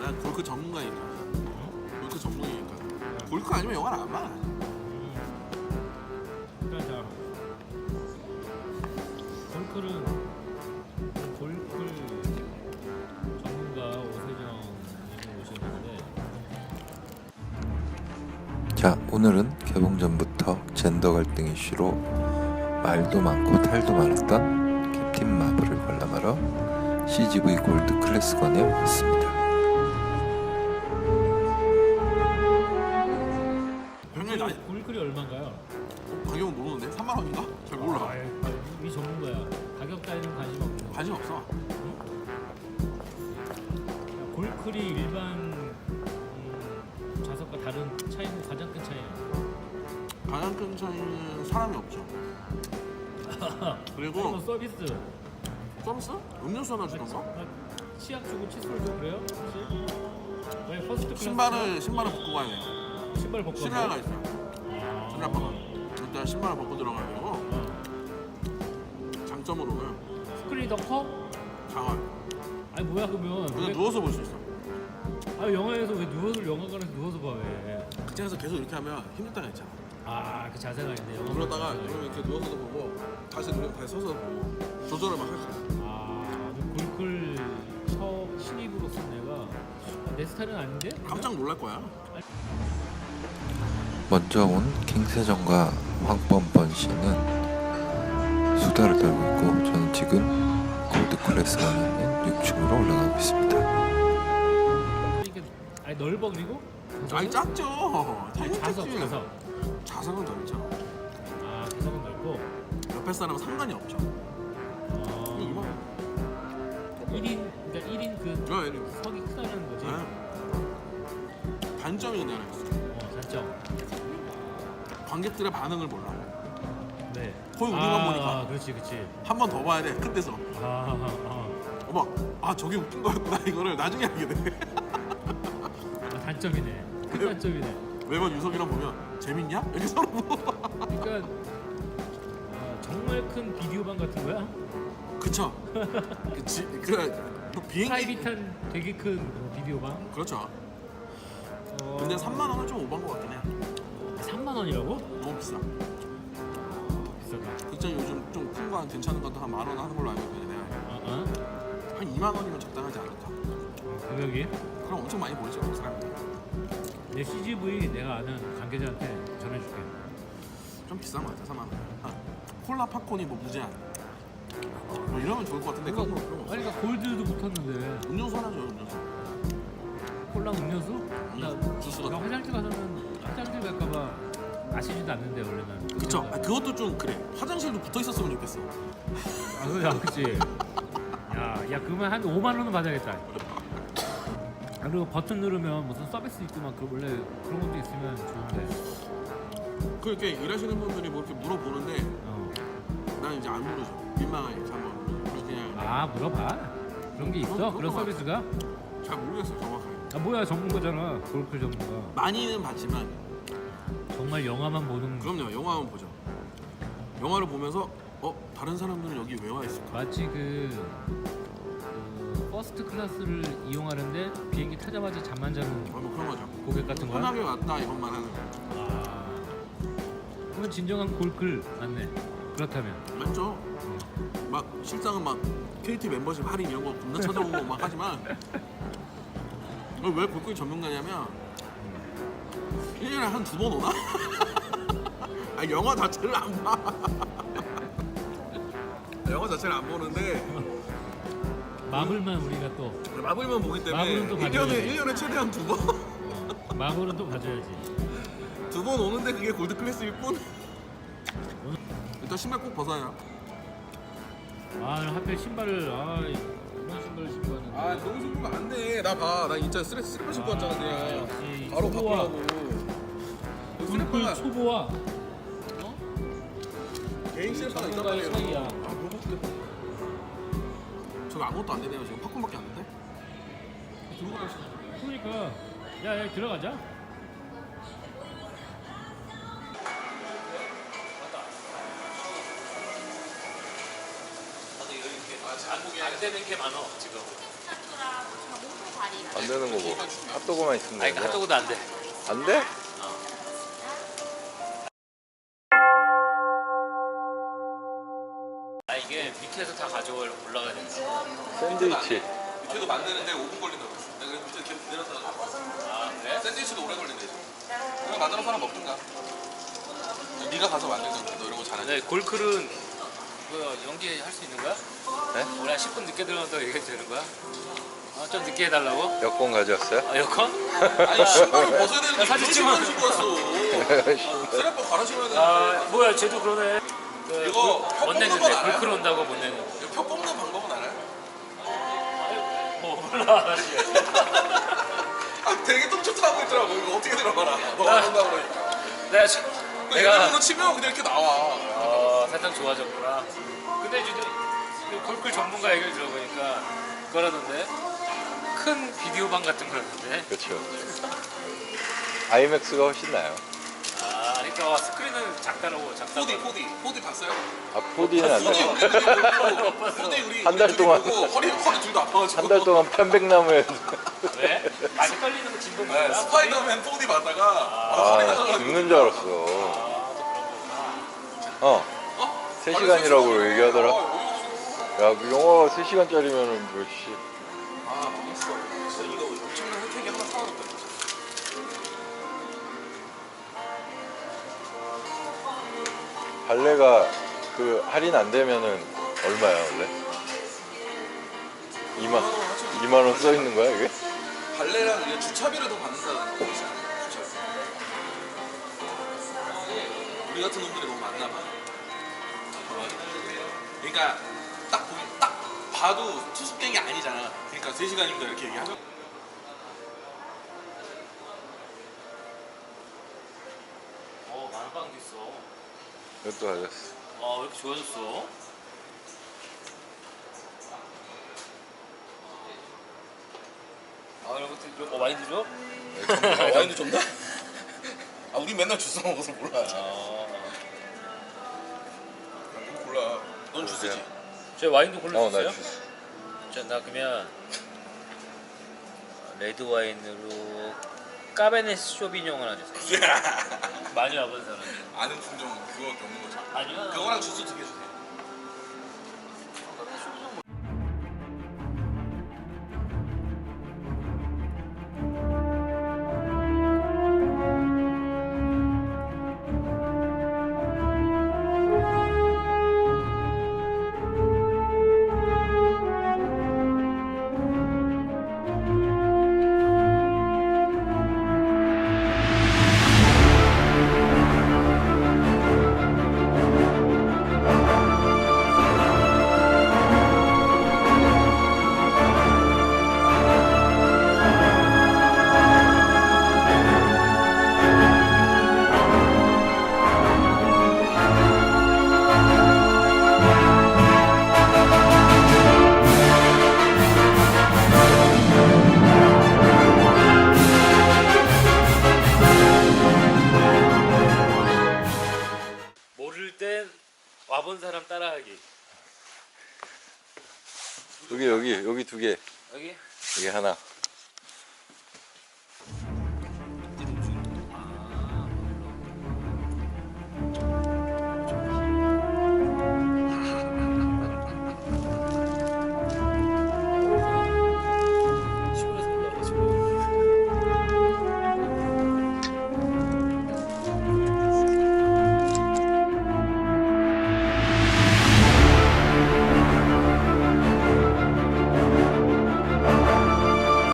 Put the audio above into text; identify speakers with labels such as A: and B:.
A: 난 골크 전문가니까. 골크 전문이니까. 골크 아니면 영화를 안 봐.
B: 일단 자 골클은 골클 전문가 오세정님이 오셨는데
C: 자, 오늘은 개봉 전부터 젠더 갈등 이슈로 말도 많고 탈도 많았던 캡틴 마블을 관람하러 CGV 골드 클래스관에 왔습니다.
A: 병렬 나
B: 골클이 얼마인가요?
A: 가격은 모르는데 3만 원인가? 잘 몰라.
B: 이 전문가야. 가격 따위는 관심 없고.
A: 관심 없어.
B: 골클이 일반 좌석과 다른 차이는 가장 큰 차이야.
A: 가장 큰 차이는 사람이 없죠. 그리고
B: 서비스.
A: 서비스? 음료수 하나 주던가?
B: 치약 주고 칫솔 주고 그래요? 혹시? 왜 퍼스트 클래스?
A: 신발을 벗고 가야 돼요.
B: 신발 벗고
A: 실내가 있어요.
B: 아.
A: 실내방은 일단 신발을 벗고 들어가야 되고 장점으로는
B: 스크린이 더 커?
A: 장화.
B: 아니 뭐야 그러면
A: 그냥 누워서 볼 수 있어.
B: 아 영화에서 왜 영화관에서 누워서 봐 왜?
A: 극장에서 계속 이렇게 하면 힘들 때가 있잖아.
B: 아 그 자세가 있네 영화.
A: 그러다가 그러면 이렇게 누워서도 보고 다시 누르면 다시 서서 보고 조절을 막 할 수 있어.
B: 아 골클 처음 신입으로서 내가 내 스타일은 아닌데?
A: 깜짝 놀랄 거야.
C: 먼저 온 킹세정과 황뻔뻔 씨는 수다를 떨고 있고, 저는 지금 골드 클래스관에 있는 6층으로 올라가고 있습니다.
B: 이게 아니 넓어 그리고?
A: 아니 작죠. 당연히
B: 좌석
A: 작지.
B: 좌석.
A: 좌석은 넓죠.
B: 아 좌석은 넓고.
A: 옆에 사람은 상관이 없죠.
B: 아,
A: 이거
B: 1인 그러니까 1인 그
A: 야, 이리.
B: 석이 크다는 거지.
A: 네. 단점이 근데 하나 있어.
B: 단점.
A: 관객들의 반응을 몰라.
B: 네.
A: 거의 우리만 보니까.
B: 그렇지.
A: 한 번 더 봐야 돼. 큰 데서.
B: 아.
A: 어머, 저게 웃긴 거였구나. 이거를 나중에 알게 돼.
B: 단점이네. 큰 단점이네.
A: 매번 유석이랑 보면 재밌냐? 이렇게 서로 물어봐.
B: 그러니까 정말 큰 비디오방 같은 거야?
A: 그쵸? 뭐 비행기.
B: 프라이빗한 되게 큰 비디오방.
A: 그렇죠. 근데 3만 원은 좀 오버한 것 같긴 해.
B: 3만 원이라고?
A: 너무 비싸.
B: 비싸다.
A: 극장 요즘 좀 큰 거 괜찮은 것도 한 10,000원 하는 걸로 알고 있거든. 내가 한 2만 원이면 적당하지 않을까?
B: 가격이?
A: 그럼 엄청 많이 보이죠, 사람들이.
B: 내 CGV 내가 아는 관계자한테 전해줄게.
A: 좀 비싼 것 같아, 3만 원. 콜라 팝콘이 뭐 무제한. 뭐 이러면 좋을 것 같은데 그런 거 없어.
B: 아니 그러니까 골드도 붙었는데
A: 음료수 하나 줘요, 음료수.
B: 콜라 음료수?
A: 주스
B: 나
A: 같은 거.
B: 화장실 가서는 화장실 갈까봐 마시지도 않는데 원래는.
A: 그쵸? 그것도 좀 그래. 화장실도 붙어 있었으면 좋겠어.
B: 그치. 야 그러면 한 5만 원은 받아야겠다. 그리고 버튼 누르면 무슨 서비스 있고 막 원래 그런 것도 있으면 좋은데.
A: 그렇게 일하시는 분들이 뭐 이렇게 물어보는데 난 이제 안 물어줘. 민망하니까 한번 그냥
B: 물어봐. 그런 게 있어?
A: 그런
B: 그런
A: 거
B: 서비스가?
A: 잘 모르겠어 정확하게.
B: 뭐야 전문가잖아. 골프 전문가.
A: 많이는 봤지만
B: 정말 영화만 보는.
A: 그럼요, 영화만 보죠. 영화를 보면서 다른 사람들은 여기 왜 와 있을까?
B: 마치 그 퍼스트 클래스를 이용하는데 비행기 타자마자 잠만 자는
A: 뭐 그런 거죠.
B: 고객 같은 거야?
A: 편하게 왔다 이것만 하는 거.
B: 그건 진정한 골클 맞네. 그렇다면.
A: 맞죠? 막 실상은 막 KT 멤버십 할인 이런 거 겁나 찾아오고 막 하지만 왜 골프이 전문가냐면 1년에 한 2번 오나? 영화 자체를 안 봐. 영화 자체를 안 보는데
B: 마블만 우리가 또
A: 마블만 보기 때문에
B: 마블은 또 봐줘야지.
A: 1년에 최대한 2번
B: 마블은 또 봐줘야지.
A: 2번 오는데 그게 골드 클래스일 뿐. 일단 신발 꼭 벗어야.
B: 하필 신발을 이런 신발을 신고 왔는데.
A: 너무 신고 안 돼. 나 봐. 나 진짜 슬리퍼 신고 왔잖아 그냥.
B: 역시
A: 바로
B: 초보와
A: 바꾸라고.
B: 골클 초보와
A: 개인 슬리퍼가 있단
B: 전문가의
A: 말이에요.
B: 차이야.
A: 너무 웃기다. 저거 아무것도 안 되네요. 지금 팝콘밖에 안 되는데. 들고 가시.
B: 그러니까 야 들어가자.
D: 안 되는 게 많어 지금.
E: 스타트랑 뭐 정말 몸통 발이랑
C: 안 되는 거고 핫도그만 있으면
B: 아니
C: 되는 거야?
B: 핫도그도 안 돼.
C: 안 돼?
B: 아 이게 밑에서 다 가져올 올라가야 된다.
C: 샌드위치
A: 밑에도 만드는데 5분 걸린다고 했어. 내가 그래서 밑에 계속 내려서
B: 아 그래?
A: 샌드위치도 오래 걸린대. 그냥 만들어서 하나 먹든가. 네가 가서 만들든가. 너 이런 거 잘하지.
B: 근데 골클은 뭐 연기할 수 있는 거야?
C: 네?
B: 원래 10분 늦게 들어간다고 얘기해도 되는 거야? 좀 늦게 해달라고?
C: 여권 가져왔어요?
B: 아 여건?
A: 아니 신발을 벗어야 되는데
B: 야, 사진
A: 무슨
B: 찍어.
A: 신발 신고 왔어. 쓰레빠 갈아 신어야 되는데.
B: 아 뭐야 쟤도 그러네.
A: 이거 혀
B: 못
A: 뽑는
B: 내는데
A: 건 알아요?
B: 골클 온다고 못 내는.
A: 이거 표 뽑는 방법은 알아요?
B: 몰라.
A: 아 되게 똥촉하고 있더라고. 이거 어떻게 들어가라. 너가 안 한다고 그러니까.
B: 내가
A: 내가 이걸로 치면 그냥 이렇게 나와.
B: 살짝 좋아졌구나. 근데 이제 골클 전문가 얘기를 들어보니까 그러던데 큰 비디오방 같은 거라던데.
C: 그렇죠. 아이맥스가 훨씬 나아요.
B: 아 그러니까 스크린은 작다라고 작다고.
A: 4D 봤어요?
C: 아 4D는 안
A: 4D
C: 돼.
A: 우리 보고 4D 우리
C: 한달
A: 둘이
C: 동안.
A: 보고 허리 둘도 아파가지고
C: 한 달 동안 편백나무에
B: 왜? 많이 떨리는 거 진동
A: 네,
B: 거야?
A: 스파이더맨 4D 봤다가 허리
C: 아
A: 나가가지고
C: 죽는 줄 알았어. 어 3시간이라고 얘기하더라. 야 그 영화 3시간짜리면은 몇 시?
A: 아 망했어. 진짜 이거 엄청난 혜택이 하나 사라졌다.
C: 발레가 그 할인 안 되면은 얼마야 원래? 2만 원 써 있는 거야 이게?
A: 발레랑 이게 주차비를 더 받는다는 거지. 주차비. 우리 같은 놈들이 너무 많나 봐. 그러니까 딱 봐도 투숙객이 아니잖아. 그러니까 3시간입니다 이렇게 얘기하죠.
B: 만방도 있어.
C: 이것도 가졌어.
B: 왜 이렇게 좋아졌어? 이런 것도 와인도 줘?
A: 와인도 좀 나? 아 우리 맨날 주스 먹어서 몰라. 이거 골라. 넌 주스지?
B: 저 와인도 골라주세요.
C: 나 주스.
B: 나 그러면 레드 와인으로 까베네 쇼비뇽 하나 주세요. 많이 와본 사람.
A: 아는 품종 그거밖에 없는 거죠.
B: 아니요.
A: 그거랑 주스 2개 주세요.
B: 모를 땐 와본 사람 따라하기.
C: 여기 2개.
B: 여기?
C: 여기 하나.